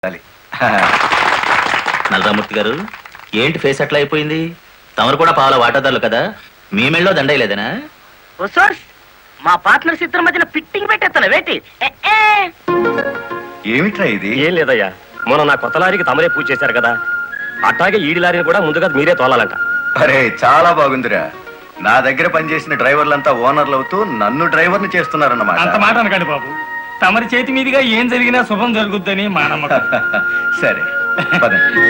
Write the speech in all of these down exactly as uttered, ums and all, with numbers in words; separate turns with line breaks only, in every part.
నల్లరామూర్తి గారు, ఏంటి ఫేస్ అట్లా అయిపోయింది? తమరు కూడా పావుల వాటాదారులు కదా, మీ మెళ్ళలో దండయలేదనా?
మా పార్ట్నర్స్ ఇద్దరి మధ్యన ఫిట్టింగ్ పెట్టేస్తాను వేటి.
ఏమిట్రా ఇది?
ఏం లేదయ్యా, మొన్న నా కొత్త లారీకి తమరే పూజ చేశారు కదా, అట్లాగే ఈడి లారీని కూడా ముందుగా మీరే తోలాలంట.
అరే చాలా బాగుందిరా. నా దగ్గర పనిచేసిన డ్రైవర్లంతా ఓనర్లు అవుతూ నన్ను డ్రైవర్ని చేస్తున్నారన్నమాట.
అంత మాట అనకండి బాబు, తమరి చేతి మీదుగా ఏం జరిగినా శుభం జరుగుద్దని మా నమ్మకం.
సరే పదండి.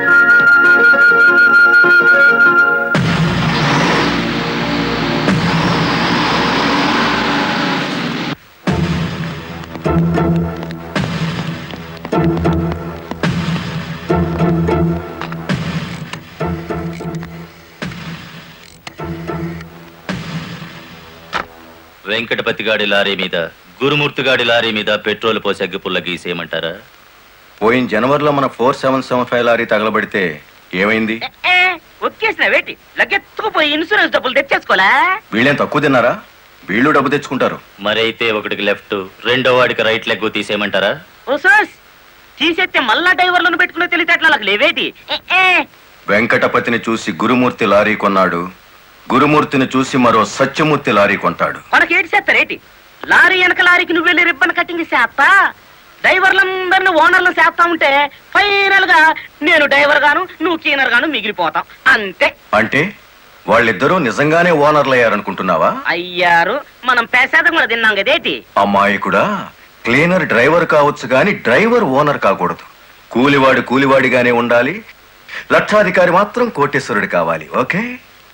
వెంకటపతి గాడి లారీ మీద, గురుమూర్తి గాడి లారీ మీద పెట్రోల్ పోసి అగ్గి పుల్ల గీసేయమంటారా?
పోయిన జనవరిలో మన four seven seven five lorry తగలబడితే ఏమైంది?
ఒక్కేసిన వేటి లగ్గెత్తుకుపోయి ఇన్సూరెన్స్ డబ్బులు తెచ్చేసుకోలే.
వీళ్ళేం తక్కువ తిన్నారా? వీళ్ళు డబ్బు తెచ్చుకుంటారు.
మరైతే ఒకటికి లెఫ్ట్, రెండో వాడికి రైట్ లెగ్ తీసేయమంటారా?
ఓ సోస్ తీసేస్తే మళ్ళా డ్రైవర్లను పెట్టుకునే తెలివితేటలు నాకు లేవేటి.
వెంకటపతిని చూసి గురుమూర్తి లారీ కొన్నాడు, గురుమూర్తిని చూసి మరో సత్యమూర్తి లారీ కొంటాడు.
మనకి ఏటి చేస్తారేటి? లారీ వెనక లారీకి నువ్వు వెళ్ళి రిబ్బన్ కటింగ్ చేస్తా, డ్రైవర్లందరినీ ఓనర్లు చేస్తా ఉంటే ఫైనల్ గా నేను డ్రైవర్ గాను నువ్వు క్లీనర్ గాను మిగిలిపోతాం అంతే.
అంటే వాళ్ళిద్దరూ నిజంగానే ఓనర్లు అయ్యారనుకుంటున్నావా?
అయ్యారు, మనం పేసేదం కూడా తిన్నాం కదేటి.
అమ్మాయి కూడా క్లీనర్ డ్రైవర్ కావచ్చు గాని డ్రైవర్ ఓనర్ కాకూడదు. కూలివాడు కూలివాడిగానే ఉండాలి, లక్షాధికారి మాత్రం కోటేశ్వరుడు కావాలి. ఓకే?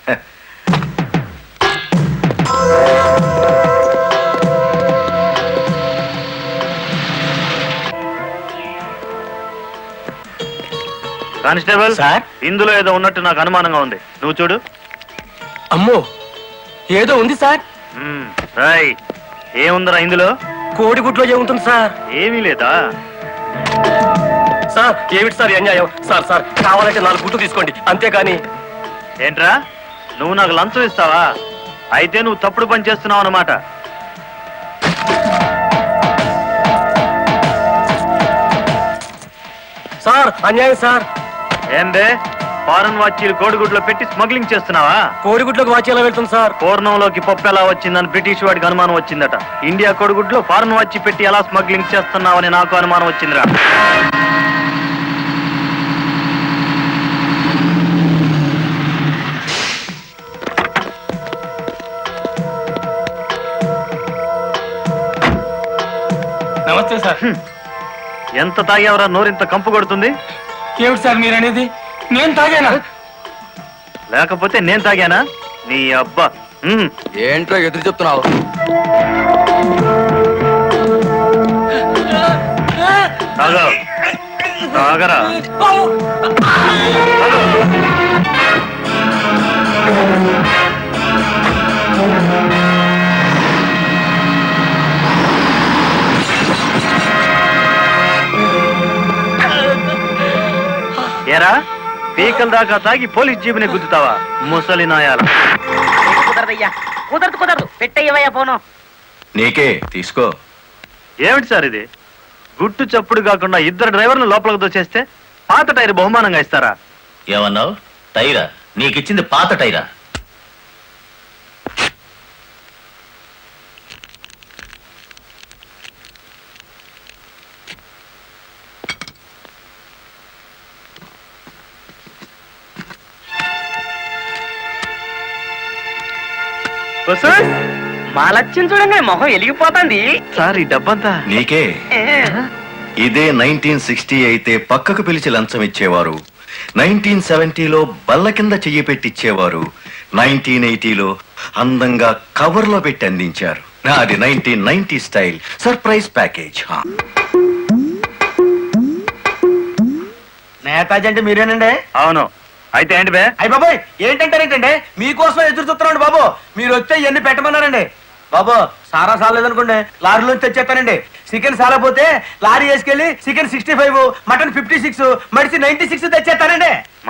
కానిస్టేబుల్
సార్,
ఇందులో ఏదో ఉన్నట్టు నాకు అనుమానంగా ఉంది, నువ్వు చూడు.
అమ్మో, ఏదో ఉంది సార్.
మ్మ్, రాయ్. ఏముందిరా ఇందులో?
కోడిగుడ్లో ఏముంటుంది సార్?
ఏమీ లేదా?
సార్ ఏమిటి సార్ ఈ అన్యాయం? సార్ సార్ కావాలంటే నాలుగు గుడ్లు తీసుకోండి, అంతేకాని.
ఏంట్రా, నువ్వు నాకు లంచం ఇస్తావా? అయితే నువ్వు తప్పుడు పని చేస్తున్నావు అన్నమాట.
సార్ అన్యాయం సార్.
ఏందే, ఫారెన్ వాచీలు కోడిగుడ్లో పెట్టి స్మగ్లింగ్ చేస్తున్నావా?
కోడిగుడ్లోకి వాచి ఎలా వెళ్తుంది సార్?
పూర్ణంలోకి పప్పు ఎలా వచ్చిందని బ్రిటిష్ వాడికి అనుమానం వచ్చిందట. ఇండియా కోడిగుడ్లో ఫారెన్ వాచి పెట్టి ఎలా స్మగ్లింగ్ చేస్తున్నావని నాకు అనుమానం వచ్చిందిరా.
నమస్తే సార్.
ఎంత తాగేవరా నోరింత కంపు కొడుతుంది?
ఏమిటి సార్ మీరు అనేది? నేను తాగానా?
లేకపోతే నేను తాగానా? నీ అబ్బా. మ్మ్.
ఏంట్రా ఎదురు చెప్తున్నావు?
తాగా తాగరా. ఏరా, పీకల దాకా తాగి పోలీస్ జీబుని గుద్దుతావా ముసలి నాయాల?
కుదరదయ్యా, కుదరదు కుదరదు, పెట్టయ్యవయ్యా పోను.
నీకే తీసుకో.
ఏమిటి సార్ ఇది? గుట్టు చప్పుడు కాకుండా ఇద్దరు డ్రైవర్లు లోపలికి దోచేస్తే పాత టైర్ బహుమానంగా ఇస్తారా?
ఏమన్నావు? టైరా? నీకిచ్చింది పాత టైరా?
మా లక్ష్యం చూడండి, మొహం వెలిగిపోతుంది.
సార్ ఈ డబ్బంతా
నీకే. ఇదే నైన్టీన్ సిక్స్టీ అయితే పక్కకు పిలిచి లంచం ఇచ్చేవారు, నైన్టీన్ సెవెంటీలో బల్ల కింద చెయ్యి పెట్టిచ్చేవారు, నైన్టీన్ ఎయిటీలో అందంగా కవర్ లో పెట్టి అందించారు. నాది nineteen ninety style surprise package.
Netaji అంటే మీరేనండి?
అవును. అయితే ఏంటి బే?
అయ్య బాబోయ్, ఏంటంటారేంటండి? మీకోసం ఎదురు చూస్తున్నాండి బాబు. మీరు వచ్చే ఇవన్నీ పెట్టమన్నారండి బాబు. సారా సాలేదనుకోండి, లారీలోంచి తెచ్చేస్తానండి. చికెన్ సాలపోతే లారీ వేసుకెళ్ళి chicken sixty five, mutton fifty six, మడిసి నైన్టీ సిక్స్ తెచ్చేస్తానండి.